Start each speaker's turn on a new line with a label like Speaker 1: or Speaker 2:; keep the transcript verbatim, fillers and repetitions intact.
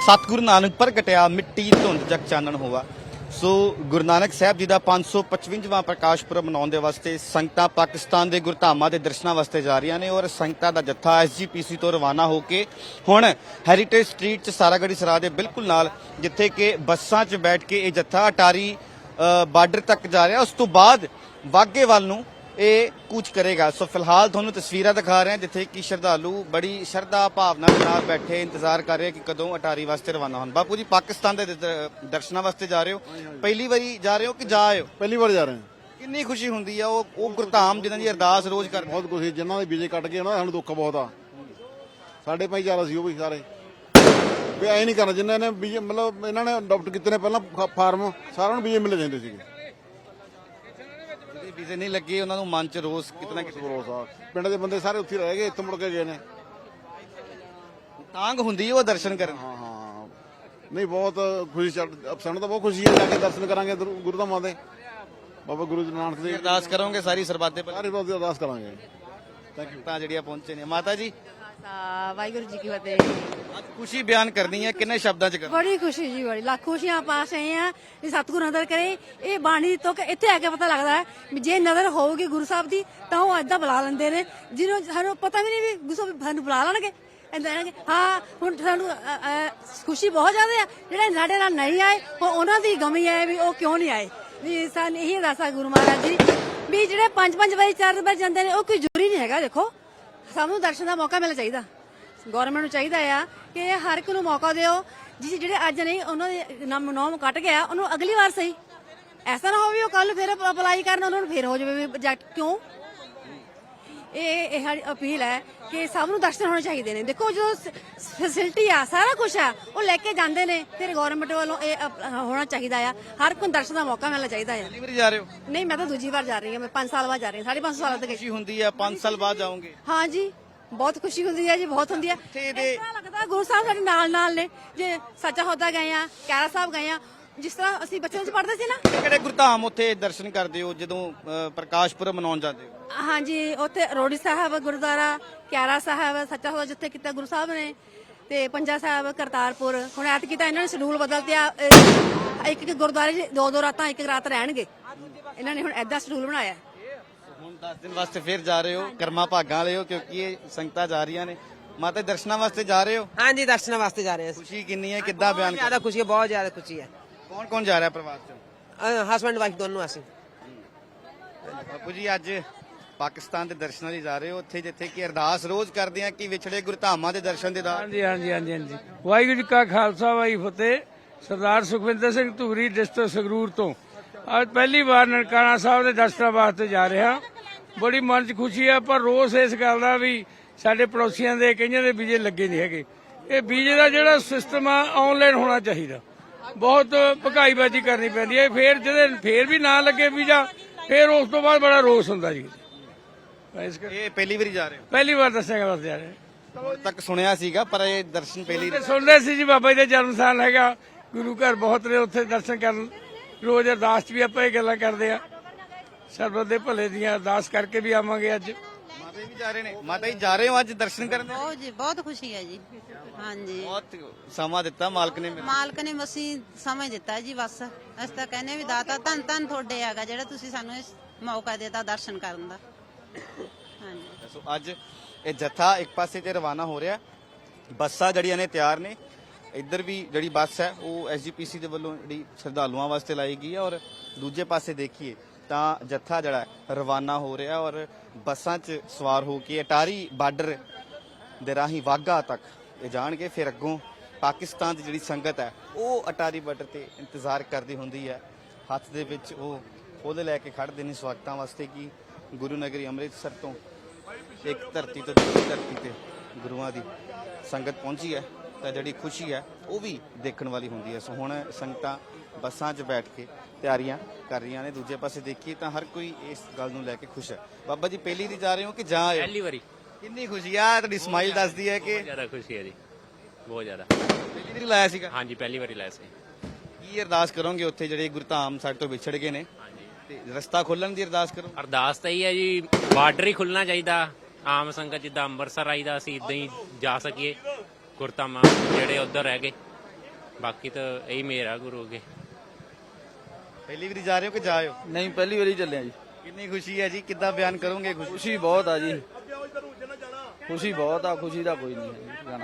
Speaker 1: सतगुरु नानक प्रगटिया मिट्टी धुंध जग चानण होवा। सो गुरु नानक साहब जी का पांच सौ पचवंजा प्रकाश पुरब मनाने वास्ते संगतां पाकिस्तान के गुरधामां के दर्शनों वास्ते जा रही ने और संगतां दा जत्था एस जी पी सी तो रवाना होकर हुण हैरीटेज स्ट्रीट च सारागढ़ी सराह दे बिल्कुल नाल जिथे कि बसां च बैठ के ये जत्था अटारी बार्डर तक जा रहा। उस तो बाद वाघे वाल नूं ਇਹ ਕੂਚ ਕਰੇਗਾ। सो फिलहाल ਤੁਹਾਨੂੰ ਤਸਵੀਰਾਂ ਦਿਖਾ ਰਹੇ ਹਾਂ ਜਿੱਥੇ ਕਿ ਸ਼ਰਧਾਲੂ ਬੜੀ ਸ਼ਰਧਾ ਭਾਵਨਾ ਦੇ ਨਾਲ ਬੈਠੇ ਇੰਤਜ਼ਾਰ ਕਰ ਰਹੇ ਕਿ ਕਦੋਂ ਅਟਾਰੀ ਵਾਸਤੇ ਰਵਾਨਾ ਹੋਣ। ਬਾਪੂ ਜੀ ਪਾਕਿਸਤਾਨ ਦੇ ਦਰਸ਼ਨਾਂ ਵਾਸਤੇ ਜਾ ਰਹੇ ਹੋ, ਪਹਿਲੀ ਵਾਰੀ ਜਾ ਰਹੇ ਹੋ ਕਿ ਜਾ ਆਏ ਹੋ?
Speaker 2: ਪਹਿਲੀ ਵਾਰ ਜਾ ਰਹੇ ਹਾਂ।
Speaker 1: ਕਿੰਨੀ ਖੁਸ਼ੀ ਹੁੰਦੀ ਆ ਉਹ ਉਹ ਗੁਰਧਾਮ ਜਿਨ੍ਹਾਂ ਦੀ ਅਰਦਾਸ ਰੋਜ਼ ਕਰਦੇ?
Speaker 2: ਬਹੁਤ ਖੁਸ਼ੀ, ਜਿਨ੍ਹਾਂ ਦੇ ਵੀਜ਼ੇ ਕੱਟ ਗਏ ਨਾ ਸਾਨੂੰ ਦੁੱਖ ਬਹੁਤ ਆ। ਸਾਡੇ ਭਾਈਚਾਰਾ ਸੀ ਉਹ ਵੀ ਸਾਰੇ ਵੀ ਐ ਨਹੀਂ ਕਰਨਾ ਜਿਨ੍ਹਾਂ ਨੇ ਵੀਜ਼ੇ ਮਤਲਬ ਇਹਨਾਂ ਨੇ ਅਡਾਪਟ ਕੀਤੇ ਨੇ ਪਹਿਲਾਂ ਫਾਰਮ ਸਾਰਿਆਂ ਨੂੰ ਵੀਜ਼ੇ ਮਿਲ ਜਾਂਦੇ ਸੀਗੇ।
Speaker 1: ਵੀਜ਼ੇ ਨਹੀਂ ਲੱਗੇ ਉਹਨਾਂ ਨੂੰ ਮਨ ਚ ਰੋਸ ਕਿਤਨਾ ਕਿਤੇ
Speaker 2: ਭਰੋਸਾ ਪਿੰਡ ਦੇ ਬੰਦੇ ਸਾਰੇ ਉੱਥੇ ਰਹਿ ਗਏ, ਇੱਥੇ ਮੁੜ ਕੇ ਗਏ ਨੇ।
Speaker 1: ਤਾਂਗ ਹੁੰਦੀ ਉਹ ਦਰਸ਼ਨ ਕਰਨ।
Speaker 2: ਹਾਂ ਹਾਂ ਨਹੀਂ ਬਹੁਤ ਖੁਸ਼ੀ, ਸਾਨੂੰ ਤਾਂ ਬਹੁਤ ਖੁਸ਼ੀ ਹੈ ਜਾ ਕੇ ਦਰਸ਼ਨ ਕਰਾਂਗੇ ਗੁਰਧਾਮਾਂ ਦੇ ਬਾਬਾ ਗੁਰੂ ਨਾਨਕ ਦੇ।
Speaker 1: ਅਰਦਾਸ ਕਰੋਗੇ ਸਾਰੀ ਸਰਬੱਤ
Speaker 2: ਸਾਰੀ ਬਾਤ ਦੀ ਅਰਦਾਸ ਕਰਾਂਗੇ।
Speaker 1: Thank you. ਤਾਂ ਜਿਹੜੀਆਂ ਪਹੁੰਚੇ ਨੇ ਮਾਤਾ ਜੀ
Speaker 3: ਵਾਹਿਗੁਰੂ ਜੀ ਕੀ ਫਤਿਹ।
Speaker 1: ਅੱਜ ਖੁਸ਼ੀ ਬਿਆਨ ਕਰਨੀ ਹੈ ਕਿੰਨੇ ਸ਼ਬਦਾਂ ਚ ਕਰ?
Speaker 3: ਬੜੀ ਖੁਸ਼ੀ ਜੀ, ਬੜੀ ਲੱਖ ਖੁਸ਼ੀਆਂ ਪਾਸ ਆਏ ਆ ਵੀ ਸਤਿਗੁਰੂ ਨਜ਼ਰ ਕਰੇ। ਇਹ ਬਾਣੀ ਤੋਂ ਕਿ ਇੱਥੇ ਆ ਕੇ ਪਤਾ ਲੱਗਦਾ ਹੈ ਵੀ ਜੇ ਨਜ਼ਰ ਹੋਊਗੀ ਗੁਰੂ ਸਾਹਿਬ ਦੀ ਤਾਂ ਉਹ ਏਦਾਂ ਬੁਲਾ ਲੈਂਦੇ ਨੇ ਜਿਹਨੂੰ ਸਾਨੂੰ ਪਤਾ ਵੀ ਨਹੀਂ ਵੀ ਗੁਰੂ ਸਾਹਿਬ ਸਾਨੂੰ ਬੁਲਾ ਲੈਣਗੇ ਏਦਾਂ। ਹਾਂ ਹੁਣ ਸਾਨੂੰ ਖੁਸ਼ੀ ਬਹੁਤ ਜ਼ਿਆਦਾ ਆ। ਜਿਹੜੇ ਸਾਡੇ ਨਾਲ ਨਹੀਂ ਆਏ ਉਹਨਾਂ ਦੀ ਗਮੀ ਹੈ ਵੀ ਉਹ ਕਿਉਂ ਨਹੀਂ ਆਏ। ਵੀ ਸਾਨੂੰ ਇਹੀ ਅਰਦਾਸ ਗੁਰੂ ਮਹਾਰਾਜ ਜੀ ਵੀ ਜਿਹੜੇ ਪੰਜ ਪੰਜ ਵਾਰੀ ਚਾਰ ਵਾਰ ਜਾਂਦੇ ਨੇ ਉਹ ਕੋਈ ਜ਼ਰੂਰੀ ਨਹੀਂ ਹੈਗਾ। ਦੇਖੋ ਸਾਨੂੰ ਦਰਸ਼ਨ ਦਾ ਮੌਕਾ ਮਿਲਣਾ ਚਾਹੀਦਾ, ਗੌਰਮੈਂਟ ਨੂੰ ਚਾਹੀਦਾ ਆ ਕਿ ਹਰ ਇੱਕ ਨੂੰ ਮੌਕਾ ਦਿਓ। ਜਿਸ ਜਿਹੜੇ ਅੱਜ ਨਹੀਂ ਉਹਨਾਂ ਦੇ ਨਾਮ ਨੌਮ ਕੱਟ ਗਿਆ ਉਹਨੂੰ ਅਗਲੀ ਵਾਰ ਸਹੀ, ਐਸਾ ਨਾ ਹੋਵੇ ਉਹ ਕੱਲ ਫਿਰ ਅਪਲਾਈ ਕਰਨ ਉਹਨਾਂ ਨੂੰ ਫਿਰ ਹੋ ਜਾਵੇ ਪ੍ਰੋਜੈਕਟ। ਕਿਉਂ ਇਹ ਇਹ ਸਾਡੀ ਅਪੀਲ ਹੈ ਕਿ ਸਭ ਨੂੰ ਦਰਸ਼ਨ ਹੋਣੇ ਚਾਹੀਦੇ ਨੇ। ਦੇਖੋ ਜੋ ਫੈਸਿਲਿਟੀ ਆ ਸਾਰਾ ਕੁਝ ਆ ਉਹ ਲੈ ਕੇ ਜਾਂਦੇ ਨੇ, ਫਿਰ ਗੌਰਮੈਂਟ ਵੱਲੋਂ ਇਹ ਹੋਣਾ ਚਾਹੀਦਾ ਆ। ਹਰ ਕੋਈ ਦਰਸ਼ਨ ਦਾ ਮੌਕਾ ਮਿਲਣਾ ਚਾਹੀਦਾ ਆ।
Speaker 1: ਪਹਿਲੀ ਵਾਰੀ ਜਾ ਰਹੇ ਹੋ?
Speaker 3: ਨਹੀਂ ਮੈਂ ਤਾਂ ਦੂਜੀ ਵਾਰ ਜਾ ਰਹੀ ਹਾਂ, ਮੈਂ ਪੰਜ ਸਾਲ ਬਾਅਦ ਜਾ ਰਹੀ ਹਾਂ, ਸਾਢੇ ਪੰਜ ਸਾਲ ਤੱਕ।
Speaker 1: ਖੁਸ਼ੀ ਹੁੰਦੀ ਹੈ ਪੰਜ ਸਾਲ ਬਾਅਦ ਜਾਓਗੇ?
Speaker 3: ਹਾਂ ਜੀ ਬਹੁਤ ਖੁਸ਼ੀ ਹੁੰਦੀ ਹੈ ਜੀ, ਬਹੁਤ ਹੁੰਦੀ ਹੈ। ਇਸ ਤਰ੍ਹਾਂ ਲੱਗਦਾ ਗੁਰੂ ਸਾਹਿਬ ਸਾਡੇ ਨਾਲ ਨਾਲ ਨੇ। ਜੇ ਸੱਚਾ ਹੋਦਾ ਗਏ ਆ, ਕੈਰਾ ਸਾਹਿਬ ਗਏ ਆ, ਜਿਸ ਤਰ੍ਹਾਂ ਅਸੀਂ ਬੱਚਿਆਂ ਚ ਪੜ੍ਹਦੇ ਸੀ ਨਾ।
Speaker 1: ਕਿਹੜੇ ਗੁਰਧਾਮ ਉੱਥੇ ਦਰਸ਼ਨ ਕਰਦੇ ਹੋ ਜਦੋਂ ਪ੍ਰਕਾਸ਼ ਪੁਰਬ ਮਨਾਉਣ ਜਾਂਦੇ ਹੋ?
Speaker 3: ਹਾਂਜੀ ਉੱਥੇ ਰੋੜੀ ਸਾਹਿਬ ਗੁਰਦੁਆਰਾ, ਕੈਰਾ ਸਾਹਿਬ, ਸੱਚਾ ਹੋਦਾ ਜਿੱਥੇ ਕੀਤਾ ਗੁਰੂ ਸਾਹਿਬ ਨੇ, ਤੇ ਪੰਜਾ ਸਾਹਿਬ, ਕਰਤਾਰਪੁਰ। ਹੁਣ ਐਤ ਕੀਤਾ ਇਹਨਾਂ ਨੇ ਸ਼ਡਿਊਲ ਬਦਲਤਿਆ, ਇੱਕ ਇੱਕ ਗੁਰਦੁਆਰੇ ਚ ਦੋ ਦੋ ਰਾਤਾਂ ਇੱਕ ਰਾਤ ਰਹਿਣਗੇ ਇਹਨਾਂ ਨੇ। ਹੁਣ ਏਦਾਂ ਸ਼ਡਿਊਲ ਬਣਾਇਆ।
Speaker 1: ਹੁਣ ਦਸ ਦਿਨ ਵਾਸਤੇ ਫਿਰ ਜਾ ਰਹੇ ਹੋ, ਕਰਮਾ ਭਾਗਾਂ ਵਾਲੇ ਹੋ ਕਿਉਂਕਿ ਇਹ ਸੰਗਤਾਂ ਜਾ ਰਹੀਆਂ ਨੇ। ਮਾਤਾ ਦਰਸ਼ਨਾਂ ਵਾਸਤੇ ਜਾ ਰਹੇ ਹੋ?
Speaker 4: हाँ जी दर्शन वास्ते जा रहे हैं।
Speaker 1: ਖੁਸ਼ੀ ਕਿੰਨੀ ਹੈ, ਕਿੱਦਾਂ ਬਿਆਨ
Speaker 4: ज्यादा खुशी है, बहुत ज्यादा खुशी है।
Speaker 1: ਕੌਣ ਕੌਣ ਜਾ ਰਿਹਾ ਪਰਿਵਾਰ ਚ?
Speaker 4: हस्बैंड वाइफ दोनों आसी।
Speaker 1: ਬਾਪੂ ਜੀ ਅੱਜ ਪਾਕਿਸਤਾਨ ਦੇ ਦਰਸ਼ਨਾਂ ਲਈ ਜਾ ਰਹੇ ਹੋ, ਉੱਥੇ ਜਿੱਥੇ ਕਿ ਅਰਦਾਸ ਰੋਜ਼ ਕਰਦੇ ਆ ਕਿ ਵਿਛੜੇ ਗੁਰਧਾਮਾਂ ਦੇ ਦਰਸ਼ਨ ਦੇ ਦਾਰ।
Speaker 5: ਹਾਂਜੀ ਹਾਂਜੀ ਹਾਂਜੀ ਹਾਂਜੀ ਵਾਹਿਗੁਰੂ ਜੀ ਕਾ ਖਾਲਸਾ ਵਾਹਿਗੁਰੂ ਫਤਿਹ। ਸਰਦਾਰ ਸੁਖਵਿੰਦਰ ਸਿੰਘ ਧੂਰੀ ਡਿਸਟ੍ਰਿਕਟ ਸੰਗਰੂਰ ਤੋਂ ਅੱਜ ਪਹਿਲੀ ਵਾਰ ਨਨਕਾਣਾ ਸਾਹਿਬ ਦੇ ਦਰਸ਼ਨਾਂ ਵਾਸਤੇ ਜਾ ਰਿਹਾ। ਬੜੀ ਮਨ 'ਚ ਖੁਸ਼ੀ ਆ, ਪਰ ਰੋਸ ਇਸ ਗੱਲ ਦਾ ਵੀ ਸਾਡੇ ਪੜੋਸੀਆਂ ਦੇ ਕਈਆਂ ਦੇ ਵੀਜ਼ੇ ਲੱਗੇ ਨਹੀਂ ਹੈਗੇ। ਇਹ ਵੀਜ਼ੇ ਦਾ ਜਿਹੜਾ ਸਿਸਟਮ ਆ ਆਨਲਾਈਨ ਹੋਣਾ ਚਾਹੀਦਾ। ਬਹੁਤ ਭਕਾਈਬਾਜ਼ੀ ਕਰਨੀ ਪੈਂਦੀ ਹੈ। ਫੇਰ ਜਿਹਦੇ ਫੇਰ ਵੀ ਨਾ ਲੱਗੇ ਵੀਜ਼ਾ ਫੇਰ ਉਸ ਤੋਂ ਬਾਅਦ ਬੜਾ ਰੋਸ ਹੁੰਦਾ ਜੀ।
Speaker 1: ਇਹ ਪਹਿਲੀ ਵਾਰੀ ਜਾ ਰਹੇ ਹੋ?
Speaker 5: ਪਹਿਲੀ ਵਾਰ ਦੱਸਿਆ ਵਾਸਤੇ ਜਾ ਰਹੇ।
Speaker 1: ਹੁਣ ਤੱਕ ਸੁਣਿਆ ਸੀਗਾ ਪਰ ਇਹ ਦਰਸ਼ਨ ਪਹਿਲੀ
Speaker 5: ਸੁਣਦੇ ਸੀ ਜੀ। ਬਾਬਾ ਜੀ ਦਾ ਜਨਮ ਸਥਾਨ ਹੈਗਾ, ਗੁਰੂ ਘਰ ਬਹੁਤ ਨੇ, ਉੱਥੇ ਦਰਸ਼ਨ ਕਰਨ ਰੋਜ਼ ਅਰਦਾਸ ਚ ਵੀ ਆਪਾਂ ਇਹ ਗੱਲਾਂ ਕਰਦੇ ਆ। ਸਰਬੱਤ ਦੇ ਭਲੇ ਦੀਆਂ ਅਰਦਾਸ ਕਰਕੇ ਵੀ ਆਵਾਂਗੇ। ਅੱਜ
Speaker 1: ਮਾਤਾ ਜੀ ਵੀ ਜਾ ਰਹੇ ਨੇ? ਮਾਤਾ ਜੀ ਜਾ ਰਹੇ ਹੋ ਅੱਜ ਦਰਸ਼ਨ ਕਰਨ?
Speaker 6: ਬਹੁਤ ਜੀ ਬਹੁਤ ਖੁਸ਼ੀ ਹੈ ਜੀ। ਹਾਂਜੀ
Speaker 1: ਬਹੁਤ ਸਮਾਂ ਦਿੱਤਾ ਮਾਲਕ ਨੇ।
Speaker 6: ਮਾਲਕ ਨੇ ਮਸੀਂ ਸਮਝ ਦਿੱਤਾ ਜੀ। ਬਸ ਅਸੀਂ ਤਾਂ ਕਹਿੰਦੇ ਵੀ ਦਾਤਾ ਧੰਨ ਧੰਨ ਤੁਹਾਡੇ ਹੈਗਾ ਜਿਹੜਾ ਤੁਸੀਂ ਸਾਨੂੰ ਇਸ ਮੌਕਾ ਦਿੱਤਾ ਦਰਸ਼ਨ ਕਰਨ ਦਾ। ਹਾਂਜੀ
Speaker 1: ਸੋ ਅੱਜ ਇਹ ਜੱਥਾ ਇੱਕ ਪਾਸੇ ਤੇ ਰਵਾਨਾ ਹੋ ਰਿਹਾ। ਬੱਸਾਂ ਜਿਹੜੀਆਂ ਨੇ ਤਿਆਰ ਨੇ। ਇੱਧਰ ਵੀ ਜਿਹੜੀ ਬੱਸ ਹੈ ਉਹ ਐਸ ਜੀ ਪੀ ਸੀ ਦੇ ਵੱਲੋਂ ਜਿਹੜੀ ਸ਼ਰਧਾਲੂਆਂ ਵਾਸਤੇ ਲਾਈ ਗਈ ਹੈ ਔਰ ਦੂਜੇ ਪਾਸੇ ਦੇਖੀਏ ਤਾਂ ਜੱਥਾ ਜਿਹੜਾ ਰਵਾਨਾ ਹੋ ਰਿਹਾ ਔਰ ਬੱਸਾਂ 'ਚ ਸਵਾਰ ਹੋ ਕੇ ਅਟਾਰੀ ਬਾਰਡਰ ਦੇ ਰਾਹੀਂ ਵਾਘਾ ਤੱਕ ਇਹ ਜਾਣਗੇ। ਫਿਰ ਅੱਗੋਂ ਪਾਕਿਸਤਾਨ ਦੀ ਜਿਹੜੀ ਸੰਗਤ ਹੈ ਉਹ ਅਟਾਰੀ ਬਾਰਡਰ ਤੇ ਇੰਤਜ਼ਾਰ ਕਰਦੀ ਹੁੰਦੀ ਹੈ। ਹੱਥ ਦੇ ਵਿੱਚ ਉਹ ਫੁੱਲ ਲੈ ਕੇ ਖੜ੍ਹਦੇ ਨੇ ਸਵਾਗਤਾਂ ਵਾਸਤੇ ਕਿ ਗੁਰੂ ਨਗਰੀ ਅੰਮ੍ਰਿਤਸਰ ਤੋਂ ਇੱਕ ਧਰਤੀ ਤੋਂ ਦੂਜੀ ਧਰਤੀ ਤੇ ਗੁਰੂਆਂ ਦੀ ਸੰਗਤ ਪਹੁੰਚੀ ਹੈ ਤਾਂ ਜਿਹੜੀ ਖੁਸ਼ੀ ਹੈ ਉਹ ਵੀ ਦੇਖਣ ਵਾਲੀ ਹੁੰਦੀ ਹੈ। ਸੋ ਹੁਣ ਸੰਗਤਾਂ ਬੱਸਾਂ 'ਚ ਬੈਠ ਕੇ ਤਿਆਰੀਆਂ ਕਰ ਰਹੀਆਂ ਨੇ। ਦੂਜੇ ਪਾਸੇ ਦੇਖੀਏ ਤਾਂ ਹਰ ਕੋਈ ਇਸ ਗੱਲ ਨੂੰ ਲੈ ਕੇ ਖੁਸ਼ ਹੈ। ਬਾਬਾ ਜੀ ਪਹਿਲੀ ਦੀ ਜਾ ਰਹੇ ਹੋ ਕਿ ਜਾਂ ਆਏ?
Speaker 7: ਪਹਿਲੀ ਵਾਰੀ।
Speaker 1: ਕਿੰਨੀ ਖੁਸ਼ੀ ਆ? ਤੁਹਾਡੀ ਸਮਾਈਲ ਦੱਸਦੀ ਹੈ ਕਿ
Speaker 7: ਜ਼ਿਆਦਾ ਖੁਸ਼ੀ ਹੈ ਜੀ, ਬਹੁਤ ਜ਼ਿਆਦਾ।
Speaker 1: ਪਹਿਲੀ ਵਾਰੀ ਲਾਇਆ ਸੀਗਾ?
Speaker 7: ਹਾਂਜੀ ਪਹਿਲੀ ਵਾਰੀ ਲਾਇਆ ਸੀ।
Speaker 1: ਕੀ ਅਰਦਾਸ ਕਰੋਗੇ ਉੱਥੇ ਜਿਹੜੇ ਗੁਰਧਾਮ ਸਾਡੇ ਤੋਂ ਵਿਛੜ ਗਏ ਨੇ ਤੇ ਰਸਤਾ ਖੋਲਣ ਦੀ ਅਰਦਾਸ ਕਰੋ?
Speaker 7: ਅਰਦਾਸ ਤਾਂ ਹੀ ਹੈ ਜੀ, ਬਾਰਡਰ ਹੀ ਖੁੱਲਣਾ ਚਾਹੀਦਾ। ਆਮ ਸੰਗਤ ਜਿੱਦਾਂ ਅੰਮ੍ਰਿਤਸਰ ਆਈਦਾ ਅਸੀਂ ਇਦਾਂ ਹੀ ਜਾ ਸਕੀਏ ਗੁਰਧਾਮਾਂ ਜਿਹੜੇ ਉੱਧਰ ਰਹਿ ਗਏ। ਬਾਕੀ ਤਾਂ ਇਹੀ ਮੇਰ ਆ ਗੁਰੂ ਅੱਗੇ।
Speaker 1: ਪਹਿਲੀ ਵਾਰੀ ਜਾ ਰਹੇ ਹੋ ਕਿ ਜਾ ਆਏ ਹੋ?
Speaker 8: ਨਹੀਂ ਪਹਿਲੀ ਵਾਰੀ ਚੱਲੇ ਆ ਜੀ।
Speaker 1: ਕਿੰਨੀ ਖੁਸ਼ੀ ਹੈ ਜੀ, ਕਿੱਦਾਂ ਬਿਆਨ ਕਰੋਗੇ ਖੁਸ਼ੀ?
Speaker 8: ਖੁਸ਼ੀ ਬਹੁਤ ਆ ਜੀ, ਖੁਸ਼ੀ ਬਹੁਤ ਆ, ਖੁਸ਼ੀ ਦਾ ਕੋਈ ਨਹੀਂ ਹੈ ਜੀ।